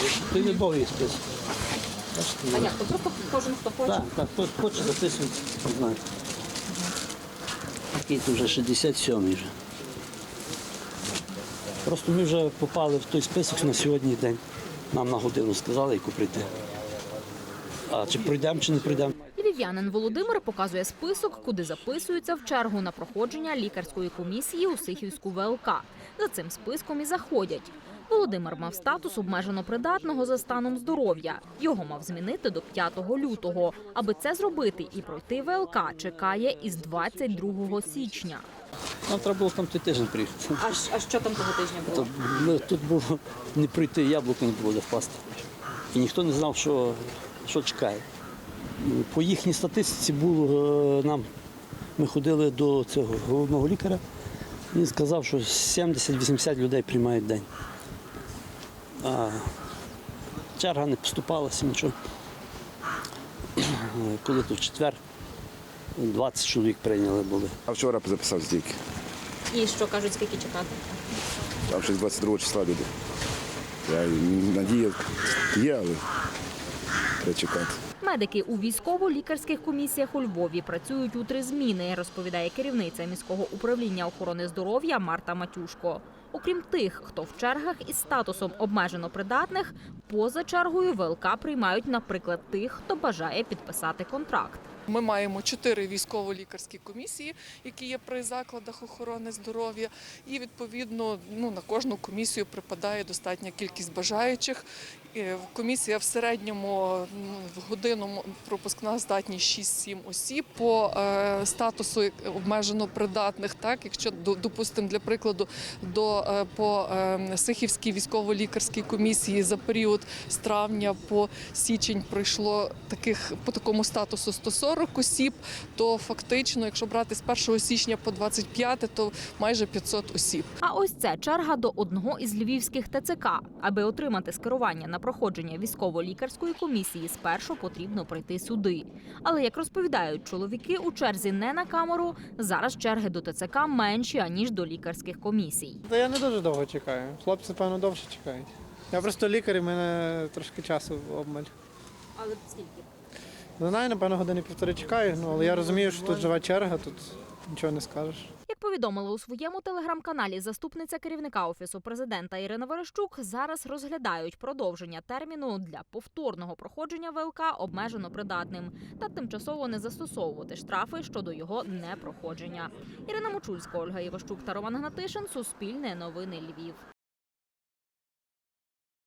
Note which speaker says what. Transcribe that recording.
Speaker 1: Той не довгий список.
Speaker 2: А як? То просто кожен, хто хоче?
Speaker 1: Так, хто хоче записується, знаєте. Такий то вже 67-й вже. Просто ми вже попали в той список на сьогодні день. Нам на годину сказали, яку прийти. А чи пройдемо, чи не пройдемо.
Speaker 2: Львів'янин Володимир показує список, куди записуються в чергу на проходження лікарської комісії у Сихівську ВЛК. За цим списком і заходять. Володимир мав статус обмежено придатного за станом здоров'я. Його мав змінити до 5 лютого. Аби це зробити і пройти ВЛК, чекає із 22 січня.
Speaker 1: Нам треба було там той тиждень приїхати.
Speaker 2: А що там того тижня було?
Speaker 1: Тут було не пройти, яблуко не було де впасти. І ніхто не знав, що чекає. По їхній статистиці було ми ходили до цього головного лікаря, він сказав, що 70-80 людей приймають в день. А черга не поступалася, нічого. Коли то в четвер 20 чоловік прийняли були.
Speaker 3: А вчора записав тільки.
Speaker 2: І що кажуть, скільки чекати?
Speaker 3: Там щось 22 числа люди. Надія є, але треба чекати.
Speaker 2: Медики у військово-лікарських комісіях у Львові працюють у 3 зміни, розповідає керівниця міського управління охорони здоров'я Марта Матюшко. Окрім тих, хто в чергах із статусом обмежено придатних, поза чергою ВЛК приймають, наприклад, тих, хто бажає підписати контракт.
Speaker 4: Ми маємо 4 військово-лікарські комісії, які є при закладах охорони здоров'я. І, відповідно, на кожну комісію припадає достатня кількість бажаючих. Комісія в середньому в годину пропускна здатність 6-7 осіб. По статусу обмежено придатних, так, якщо, допустимо, для прикладу, по Сихівській військово-лікарській комісії за період з травня по січень пройшло по такому статусу 140 осіб, то фактично, якщо брати з 1 січня по 25, то майже 500 осіб.
Speaker 2: А ось це черга до одного із львівських ТЦК. Аби отримати скерування на проходження військово-лікарської комісії, спершу потрібно прийти сюди. Але, як розповідають чоловіки, у черзі не на камеру, зараз черги до ТЦК менші, аніж до лікарських комісій.
Speaker 5: Та я не дуже довго чекаю. Хлопці, певно, довше чекають. Я просто лікар, і в мене трошки часу обмаль.
Speaker 2: Але скільки?
Speaker 5: Не знаю, напевно, години півтори чекаю, але я розумію, що тут жива черга, тут нічого не скажеш.
Speaker 2: Як повідомила у своєму телеграм-каналі заступниця керівника Офісу президента Ірина Верещук, зараз розглядають продовження терміну для повторного проходження ВЛК обмежено придатним та тимчасово не застосовувати штрафи щодо його непроходження. Ірина Мочульська, Ольга Іващук та Роман Гнатишин. Суспільне новини Львів.